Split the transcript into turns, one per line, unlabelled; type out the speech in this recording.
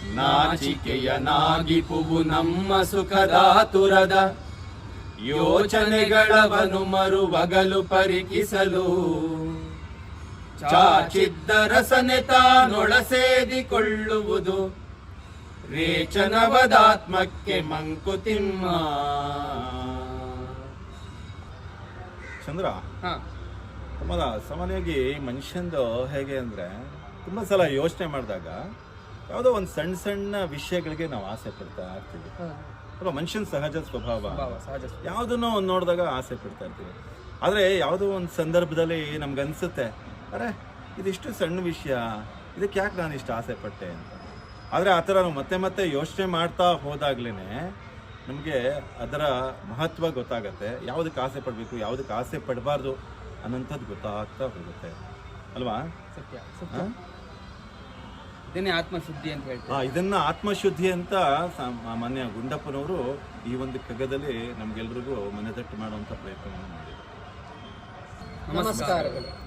ನಾಚಿಕೆಯನಾಗಿಪುವು ನಮ್ಮ ಸುಖದಾತುರದ ಯೋಚನೆಗಳವನು ಮರುವಗಲು ಪರಿಕಿಸಲು ಚಾಚಿದ್ದ ರಸನೆ ತಾನೊಳಸೇದಿಕೊಳ್ಳುವುದು ರೇಚನವದಾತ್ಮಕ್ಕೆ ಮಂಕುತಿಮ್ಮ.
ಚಂದ್ರ, ಸಾಮಾನ್ಯವಾಗಿ ಮನುಷ್ಯಂದು ಹೇಗೆ ಅಂದರೆ ತುಂಬ ಸಲ ಯೋಚನೆ ಮಾಡಿದಾಗ ಯಾವುದೋ ಒಂದು ಸಣ್ಣ ಸಣ್ಣ ವಿಷಯಗಳಿಗೆ ನಾವು ಆಸೆ ಪಡ್ತಾ ಇರ್ತೀವಿ ಅಲ್ವಾ? ಮನುಷ್ಯನ ಸಹಜ ಸ್ವಭಾವ. ಯಾವುದನ್ನೋ ಒಂದು ನೋಡಿದಾಗ ಆಸೆ ಪಡ್ತಾ ಇರ್ತೀವಿ. ಆದರೆ ಯಾವುದೋ ಒಂದು ಸಂದರ್ಭದಲ್ಲಿ ನಮ್ಗನ್ಸುತ್ತೆ, ಅರೆ ಇದಿಷ್ಟು ಸಣ್ಣ ವಿಷಯ, ಇದಕ್ಕೆ ಯಾಕೆ ನಾನು ಇಷ್ಟು ಆಸೆ ಪಟ್ಟೆ ಅಂತ. ಆದರೆ ಆ ಥರ ನಾವು ಮತ್ತೆ ಮತ್ತೆ ಯೋಚನೆ ಮಾಡ್ತಾ ಹೋದಾಗ್ಲೇ ನಮಗೆ ಅದರ ಮಹತ್ವ ಗೊತ್ತಾಗತ್ತೆ. ಯಾವುದಕ್ಕೆ ಆಸೆ ಪಡಬೇಕು, ಯಾವುದಕ್ಕೆ ಆಸೆ ಪಡಬಾರ್ದು ಅನ್ನೋಂಥದ್ದು ಗೊತ್ತಾಗ್ತಾ ಹೋಗುತ್ತೆ ಅಲ್ವಾ?
ಸತ್ಯ ಸತ್ಯ. ಇದನ್ನೇ ಆತ್ಮಶುದ್ಧಿ ಅಂತ ಹೇಳ್ತಾರೆ.
ಇದನ್ನ ಆತ್ಮಶುದ್ಧಿ ಅಂತ ಮಾನ್ಯ ಗುಂಡಪ್ಪನವರು ಈ ಒಂದು ಕಗ್ಗದಲ್ಲಿ ನಮ್ಗೆಲ್ರಿಗೂ ಮನೆತಟ್ಟು ಮಾಡುವಂಥ ಪ್ರಯತ್ನವನ್ನು ಮಾಡಿದರು.
ನಮಸ್ಕಾರಗಳು.